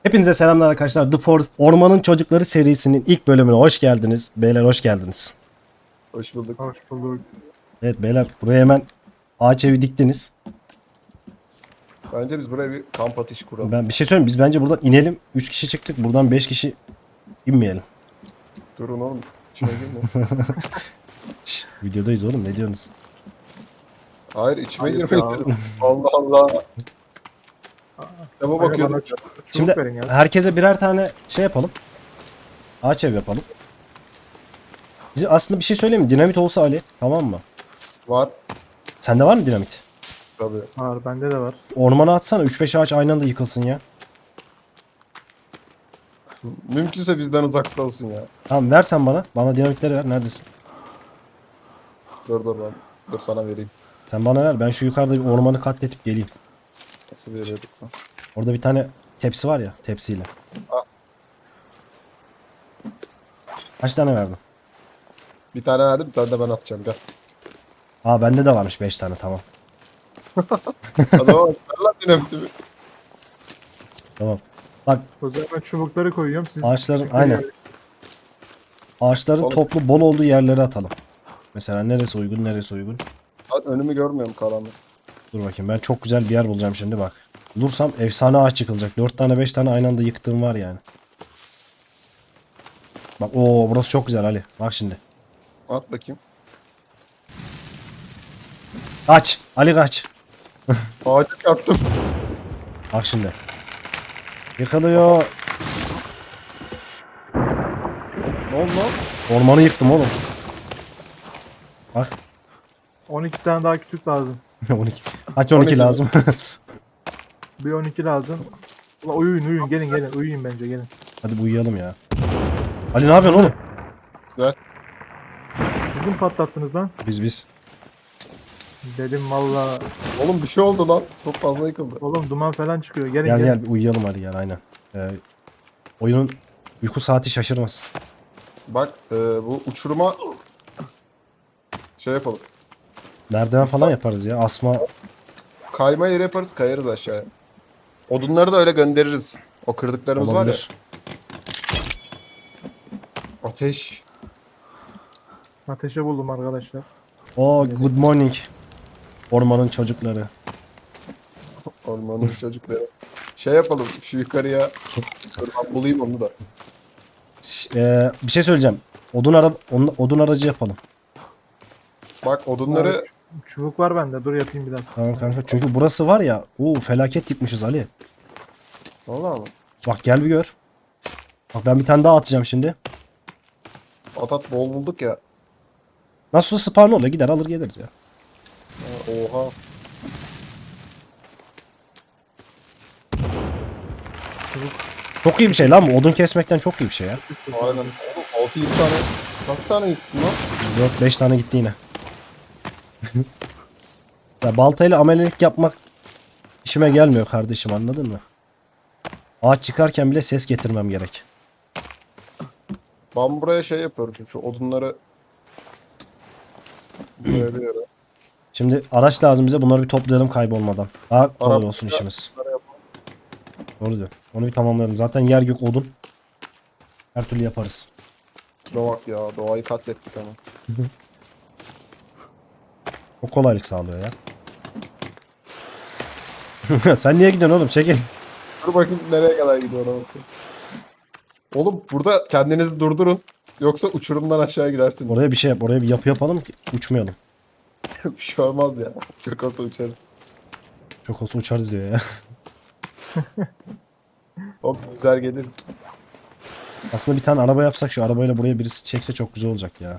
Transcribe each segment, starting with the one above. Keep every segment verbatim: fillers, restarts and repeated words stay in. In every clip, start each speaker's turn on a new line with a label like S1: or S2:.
S1: Hepinize selamlar arkadaşlar. The Forest Ormanın Çocukları serisinin ilk bölümüne hoş geldiniz. Beyler hoş geldiniz.
S2: Hoş bulduk.
S3: Hoş bulduk.
S1: Evet beyler buraya hemen ağaç evi diktiniz.
S2: Bence biz buraya bir kamp ateşi kuralım.
S1: Ben bir şey söyleyeyim, biz bence buradan inelim. üç kişi çıktık, buradan beş kişi inmeyelim.
S2: Durun oğlum. İçine girme.
S1: Şş, videodayız oğlum, ne diyorsunuz?
S2: Hayır içime
S3: Hayır
S2: girmeyin
S3: ya.
S2: dedim. Allah Allah. Kitaba
S3: Aga
S2: bakıyordum.
S3: bana çubuk
S1: Şimdi
S3: verin ya.
S1: herkese birer tane şey yapalım. Ağaç ev yapalım. Bize aslında bir şey söyleyeyim mi? Dinamit olsa Ali, tamam mı?
S2: Var.
S1: Sende var mı dinamit?
S2: Tabii.
S3: Var, bende de var.
S1: Ormana atsana, üç beş ağaç aynı anda yıkılsın ya.
S2: Mümkünse bizden uzakta olsun ya.
S1: Tamam, ver sen bana. Bana dinamitleri ver. Neredesin?
S2: Dur dur ben. Dur sana vereyim.
S1: Sen bana ver. Ben şu yukarıda bir ormanı katletip geleyim.
S2: Nasıl veriyorduk lan?
S1: Orada bir tane tepsi var ya, tepsiyle.
S2: Al.
S1: Kaç tane verdin?
S2: Bir tane verdim bir tane de ben atacağım gel.
S1: Aa bende de varmış beş tane, tamam.
S2: Adama bak ver lan dinamitimi.
S1: Tamam. Bak
S3: O zaman ben çubukları koyuyorum. Siz
S1: ağaçların
S3: çubukları
S1: aynen.
S3: yer-
S1: Ağaçların
S2: Oğlum.
S1: toplu bol olduğu yerlere atalım. Mesela neresi uygun, neresi uygun.
S2: Lan önümü görmüyorum karanlık.
S1: Dur bakayım, ben çok güzel bir yer bulacağım şimdi bak. Bulursam efsane ağaç yıkılacak. dört tane beş tane aynı anda yıktığım var yani. Bak o burası çok güzel Ali. Bak şimdi.
S2: At bakayım.
S1: Kaç. Ali kaç.
S2: Ağacı yaptım.
S1: Bak şimdi. Yıkılıyor.
S2: Ne oldu lan?
S1: Ormanı yıktım oğlum. Bak.
S3: on iki tane daha kütük lazım.
S1: on iki. Kaç on iki
S2: on iki
S1: lazım.
S3: Bir on iki lazım. Ulan uyuyun uyuyun gelin gelin uyuyun bence gelin.
S1: Hadi bu uyuyalım ya. Ali ne yapıyorsun oğlum?
S2: Güzel.
S3: Siz mi patlattınız lan?
S1: Biz biz.
S3: Dedim valla.
S2: Oğlum bir şey oldu lan. Çok fazla yıkıldı.
S3: Oğlum duman falan çıkıyor. Gelin
S1: Gel
S3: gelin.
S1: gel bir uyuyalım hadi gel aynen. Ee, oyunun uyku saati şaşırmasın.
S2: Bak e, bu uçuruma şey yapalım.
S1: Merdiven falan yaparız ya. Asma
S2: Kayma yeri yaparız kayarız aşağıya. Odunları da öyle göndeririz. O kırdıklarımız
S1: olabilir.
S2: var ya. Ateş.
S3: Ateşe buldum arkadaşlar.
S1: Oo good morning. Ormanın çocukları.
S2: Ormanın çocukları. Şey yapalım şu yukarıya. Dur ben bulayım onu da.
S1: Ş- ee, bir şey söyleyeceğim. Odun ara onun- odun aracı yapalım.
S2: Bak odunları
S3: Abi, ç- çubuk var bende. Dur yapayım biraz.
S1: Tamam kanka. Çünkü burası var ya. Oo felaket yıkmışız Ali.
S2: valla mı?
S1: Bak gel bir gör. Bak ben bir tane daha atacağım şimdi.
S2: At at bol bulduk ya.
S1: Nasıl spawn oluyor? Gider alır geliriz ya.
S2: Ha, oha.
S3: Çubuk.
S1: Çok iyi bir şey lan bu. Odun kesmekten çok iyi bir şey ya.
S2: Aynen. Oğlum altı yedi tane. Kaç tane yıktın lan?
S1: dört beş tane gitti yine. Ya baltayla amelelik yapmak işime gelmiyor kardeşim, anladın mı? Ağaç çıkarken bile ses getirmem gerek.
S2: Ben buraya şey yapıyorum şimdi şu odunları buraya bir yere.
S1: Şimdi araç lazım bize, bunları bir toplayalım kaybolmadan. Daha kolay
S2: Arap-
S1: olsun işimiz.
S2: Bunları yapalım.
S1: Doğru diyor. Onu bir tamamlayalım. Zaten yer gök odun. Her türlü yaparız.
S2: Şuna bak ya doğayı katlettik ama.
S1: O kolaylık sağlıyor ya. Sen niye gidiyorsun oğlum? Çekil.
S2: Dur bakayım nereye kadar gidiyor ona bakayım. Oğlum burada kendinizi durdurun. Yoksa uçurumdan aşağı gidersiniz.
S1: Oraya bir şey yap. Oraya bir yapı yapalım ki uçmayalım.
S2: bir şey olmaz ya. Çok olsa uçarız.
S1: Çok olsa uçarız diyor ya.
S2: Hop güzel geliriz.
S1: Aslında bir tane araba yapsak, şu arabayla buraya birisi çekse çok güzel olacak ya.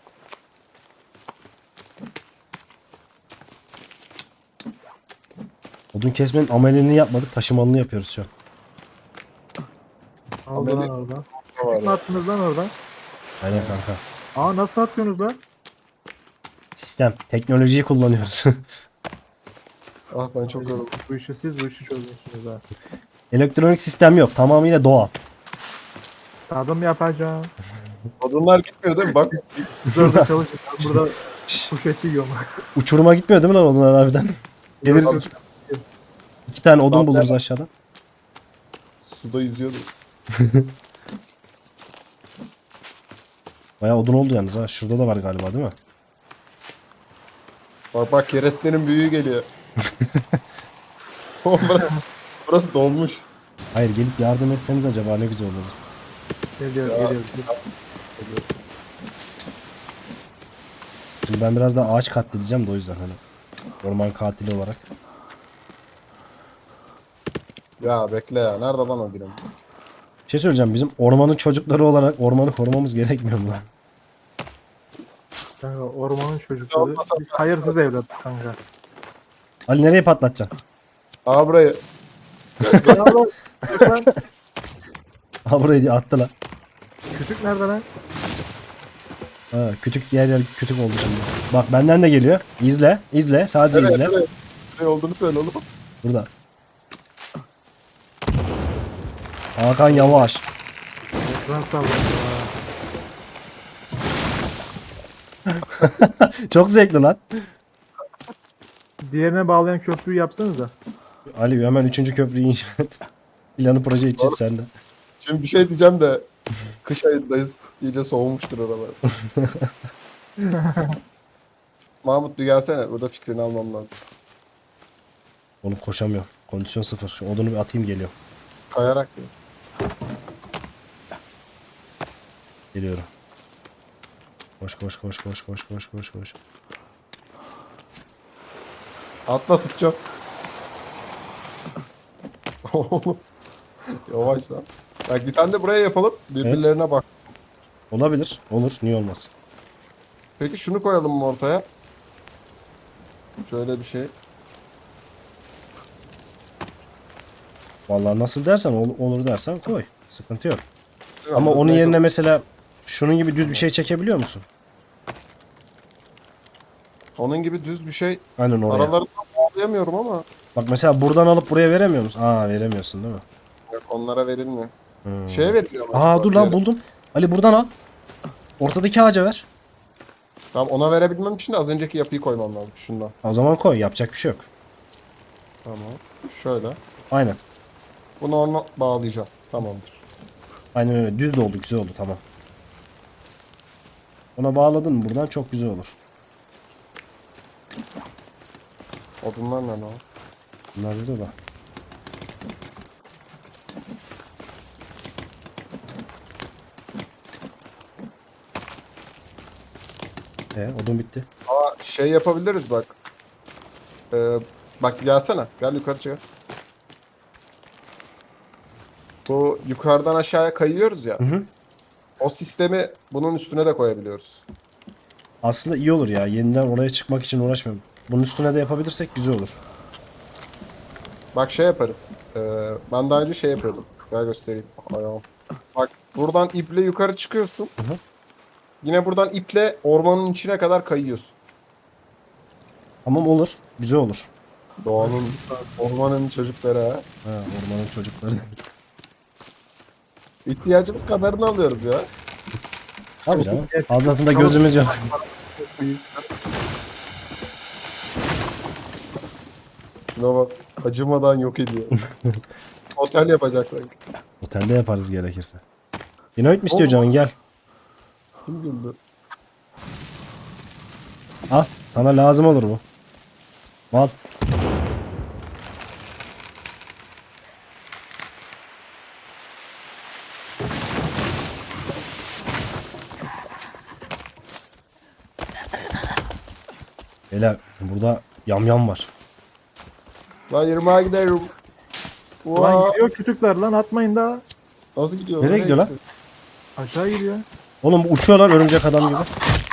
S1: Odun kesmenin ameliyatını yapmadık. Taşımalını yapıyoruz şu an.
S3: Aldı
S2: Ameli-
S3: lan oradan.
S2: Ne var
S3: Kütük mü
S2: ya?
S3: attınız lan oradan?
S1: Aynen kanka.
S3: Aa nasıl atıyorsunuz lan?
S1: Sistem. Teknolojiyi kullanıyoruz.
S2: Ah ben çok yoruldum.
S3: Bu işi siz bu işi çözüyorsunuz ha.
S1: Elektronik sistem yok. Tamamıyla doğa.
S3: Tadım yapacağım.
S2: Odunlar gitmiyor değil mi? Bak
S3: Siz orada çalışın. Ben burada kuş eti yiyorum.
S1: Uçuruma gitmiyor değil mi lan odunlar harbiden? Geliriz iki, iki tane odun buluruz aşağıdan.
S2: suda yüzüyordu.
S1: Bayağı odun oldu yalnız ha. Şurada da var galiba değil mi?
S2: Bak bak kerestenin büyüğü geliyor. Oğlum burası, burası dolmuş.
S1: Hayır gelip yardım etseniz acaba ne güzel olur.
S3: Geliyor
S2: Ya.
S3: geliyor.
S1: Şimdi ben biraz daha ağaç katledeceğim de o yüzden hani. Orman katili olarak.
S2: Ya bekle ya. Nerede lan o dinamit?
S1: Bir şey söyleyeceğim. Bizim ormanın çocukları olarak ormanı korumamız gerekmiyor mu lan?
S3: Kanka ormanın çocukları.
S2: Olmasa
S3: Biz hayırsız evlatız kanka.
S1: Ali nereye patlatacaksın?
S2: Aa burayı.
S3: Ya oğlum, kütük lan.
S1: Ha burayı diye attı lan.
S3: Kütük nerede lan?
S1: Ha, kütük yer yer kütük oldu şimdi. Bak benden de geliyor. İzle. izle. Sadece
S2: Evet,
S1: izle.
S2: evet. Ne olduğunu söyle oğlum.
S1: Burada. Hakan yavaş.
S3: Ekran sallıyor.
S1: Çok zevkli lan.
S3: Diğerine bağlayan köprüyü yapsanıza.
S1: Ali hemen üçüncü köprüyü inşa et. Planı proje için
S2: Doğru.
S1: sende.
S2: Şimdi bir şey diyeceğim de kış ayındayız. İyice soğumuştur oralar. Mahmut bir gelsene. Burada fikrini almam lazım.
S1: Oğlum koşamıyorum. Kondisyon sıfır. Şu odunu bir atayım geliyor.
S2: Kayarak ya.
S1: Geliyorum. Koş koş koş koş koş koş koş koş.
S2: Atla tutacağım. Oğlum. Yavaş lan. Bak bir tane de buraya yapalım. Birbirlerine bak.
S1: Olabilir. Olur. Niye olmaz?
S2: Peki şunu koyalım mı ortaya? Şöyle bir şey.
S1: Vallahi nasıl dersen ol- olur dersen koy. Sıkıntı yok.
S2: Değil mi?
S1: Ama onun
S2: Neyse,
S1: yerine mesela şunun gibi düz bir şey çekebiliyor musun?
S2: onun gibi düz bir şey.
S1: Aynen oraya.
S2: Aralarından bağlayamıyorum ama.
S1: Bak mesela buradan alıp buraya veremiyor musun? Aa veremiyorsun değil mi?
S2: Yok, onlara verilmiyor.
S1: Hmm.
S2: Şeye veriliyor ama.
S1: Aa
S2: bak,
S1: dur lan
S2: yere.
S1: buldum. Ali buradan al. Ortadaki ağaca ver.
S2: Tamam ona verebilmem için de az önceki yapıyı koymam lazım. Şundan.
S1: O zaman koy. Yapacak bir şey yok.
S2: Tamam. Şöyle.
S1: Aynen.
S2: Bunu ona bağlayacağım. Tamamdır.
S1: Aynen öyle. Düz de oldu. Güzel oldu. Tamam. Ona bağladın mı buradan çok güzel olur.
S2: Odunlar ne lan?
S1: Bunlar burada da. E, odun bitti.
S2: Aa şey yapabiliriz bak. Ee, bak gelsene. Gel yukarı çık. Bu yukarıdan aşağıya kayıyoruz ya.
S1: Hı hı.
S2: O sistemi bunun üstüne de koyabiliyoruz.
S1: Aslında iyi olur ya. Yeniden oraya çıkmak için uğraşmıyorum. Bunun üstüne de yapabilirsek güzel olur.
S2: Bak şey yaparız. Ee, ben daha önce şey yapıyordum. Gel göstereyim. Ayağım. Bak buradan iple yukarı çıkıyorsun.
S1: Hı hı.
S2: Yine buradan iple ormanın içine kadar kayıyorsun.
S1: Tamam olur. Güzel olur.
S2: Doğanın, ormanın çocukları ha.
S1: Ha, ormanın çocukları.
S2: İhtiyacımız kadarını alıyoruz ya.
S1: Abi canım. Fazlasında gözümüz yok.
S2: Şuna bak. Acımadan yok ediyor. Otel yapacak sanki.
S1: Otelde yaparız gerekirse. Dinamit mi istiyor canın gel.
S2: Kim güldü?
S1: Al. Sana lazım olur bu. Al. Beyler burada yamyam var.
S2: Lan yirmiye giderim.
S3: Lan
S2: Vaa.
S3: gidiyor kütükler lan atmayın daha.
S2: Nasıl gidiyor?
S1: Nereye gidiyor lan?
S3: Aşağı gidiyor.
S1: Oğlum bu uçuyor lan örümcek adam gibi.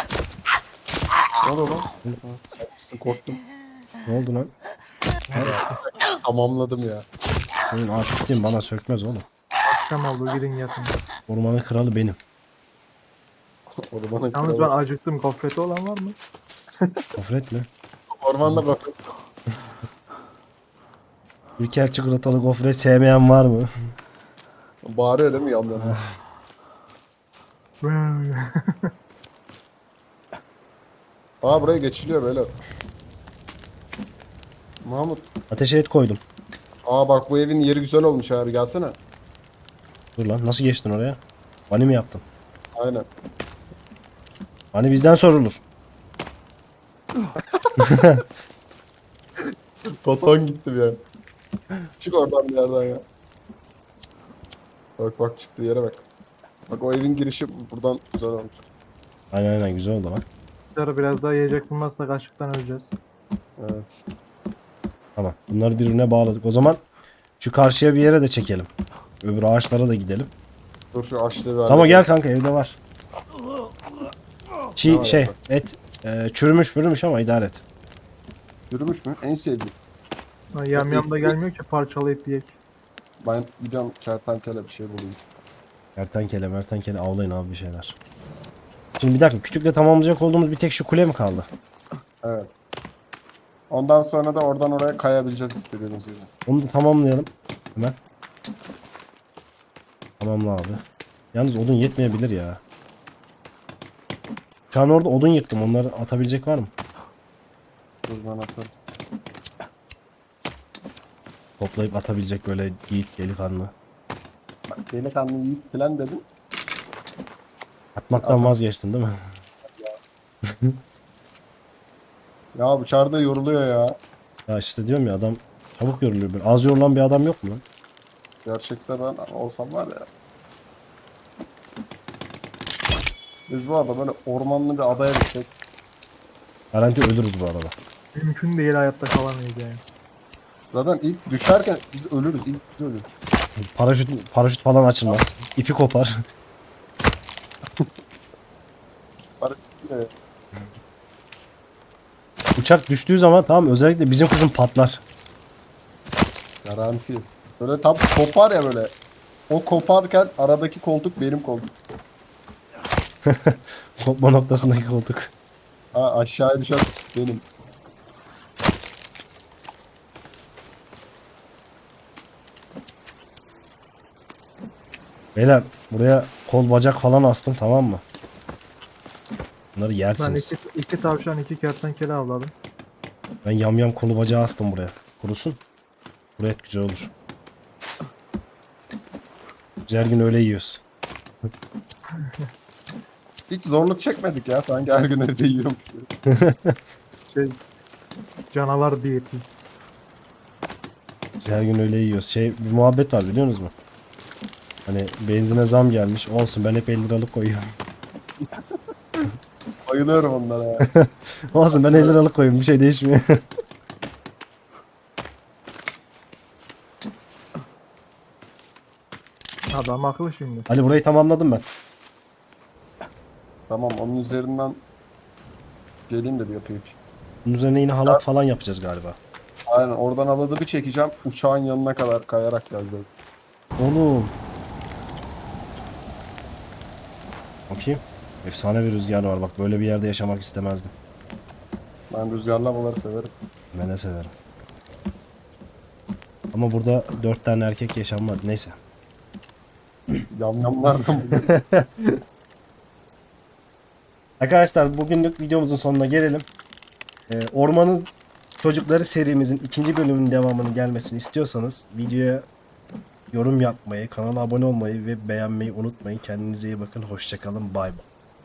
S2: Ne oldu lan? Sen korktum.
S1: Ne oldu lan?
S2: Tamamladım ya.
S1: Senin artistliğin bana sökmez oğlum.
S3: Akşam oldu gidin yatın.
S1: Ormanın kralı benim.
S2: Ormana
S3: Yalnız ben acıktım. Gofreti olan var mı?
S1: Gofret mi?
S2: Ormanda gofret.
S1: Ülker çikolatalı gofret sevmeyen var mı?
S2: Bağırıyor değil mi yandan? Aa buraya geçiliyor böyle. Mahmut.
S1: Ateşe et koydum.
S2: Aa bak bu evin yeri güzel olmuş abi gelsene.
S1: Dur lan nasıl geçtin oraya? Bani mi yaptın?
S2: Aynen.
S1: Hani bizden sorulur.
S2: Baton gitti bir an. Çık oradan bir yerden ya. Bak bak çıktığı yere bak. Bak o evin girişi buradan güzel olmuş.
S1: Aynen aynen güzel oldu lan.
S3: Sonra biraz daha yiyecek bulmazsak açlıktan öleceğiz.
S2: Evet.
S1: Tamam. Bunları birbirine bağladık. O zaman şu karşıya bir yere de çekelim. Öbür ağaçlara da gidelim.
S2: Dur şu açlığı ver.
S1: Tamam gel kanka evde var. Çiğ
S2: Tamam,
S1: şey
S2: yapalım.
S1: et e, çürümüş pürümüş ama idare et.
S2: Yürümüş mü? En sevdiğim.
S3: Ha, yam yam da gelmiyor ki parçalayıp yiyek.
S2: Ben gidiyorum kertenkele bir şey bulayım.
S1: Kertenkele mertenkele avlayın abi bir şeyler. Şimdi bir dakika kütükle tamamlayacak olduğumuz bir tek şu kule mi kaldı?
S2: Evet. Ondan sonra da oradan oraya kayabileceğiz istediğimiz gibi.
S1: Onu da tamamlayalım. Hemen. Tamamla abi. Yalnız odun yetmeyebilir ya. Şu an orada odun yıktım. Onları atabilecek var mı?
S2: Dur ben atarım.
S1: Toplayıp atabilecek böyle yiğit delikanlı.
S2: Bak delikanlı yiğit falan dedim.
S1: Atmaktan
S2: Atam.
S1: vazgeçtin değil mi?
S2: Ya bu çarda yoruluyor ya.
S1: Ya işte diyorum ya adam çabuk yoruluyor. Böyle az yorulan bir adam yok mu lan?
S2: Gerçekten ben olsam var ya. Biz bu arada böyle ormanlı bir adaya gidecek.
S1: Garanti ölürüz bu arada.
S3: Mümkün değil hayatta kalamayız yani.
S2: Zaten ilk düşerken biz ölürüz. İlk biz ölürüz.
S1: Paraşüt, paraşüt falan açılmaz. İpi kopar.
S2: Barış, e,
S1: Uçak düştüğü zaman tamam özellikle bizim kızım patlar.
S2: Garanti. Böyle tam kopar ya böyle. O koparken aradaki koltuk benim koltuk.
S1: Kopma noktasındaki koltuk.
S2: Ha, aşağıya düşen benim.
S1: Beyler buraya kol bacak falan astım tamam mı? Bunları
S3: Ben
S1: yersiniz.
S3: iki, iki tavşan iki kertenkele avladım.
S1: Ben yamyam kolu bacağı astım buraya. Kurusun. Buraya et güzel olur. Biz her gün öyle yiyoruz.
S2: Hiç zorluk çekmedik ya. Sanki her gün evde yiyorum.
S3: Şey canavar diyeti.
S1: Biz her gün öyle yiyoruz. Şey bir muhabbet var biliyor musunuz? Hani benzine zam gelmiş. Olsun ben hep elli liralık koyuyorum.
S2: Bayılıyorum onlara ya.
S1: Olsun ben elli liralık koyuyorum. Bir şey değişmiyor.
S3: Adam akıllı şimdi.
S1: Ali burayı tamamladım ben.
S2: Tamam onun üzerinden geleyim de bir yapayım.
S1: Bunun üzerine yine halat falan yapacağız galiba.
S2: Aynen oradan haladı bir çekeceğim. Uçağın yanına kadar kayarak geleceğiz.
S1: Oğlum. Bakayım. Efsane bir rüzgar var bak böyle bir yerde yaşamak istemezdim.
S2: Ben rüzgarlı havaları severim.
S1: Ben de severim. Ama burada dört tane erkek yaşanmaz. Neyse.
S2: Yamyamlardan bugün.
S1: Arkadaşlar bugünlük videomuzun sonuna gelelim. Ee, Ormanın Çocukları serimizin ikinci bölümünün devamının gelmesini istiyorsanız videoya yorum yapmayı, kanala abone olmayı ve beğenmeyi unutmayın. Kendinize iyi bakın. Hoşçakalın. Bay bay.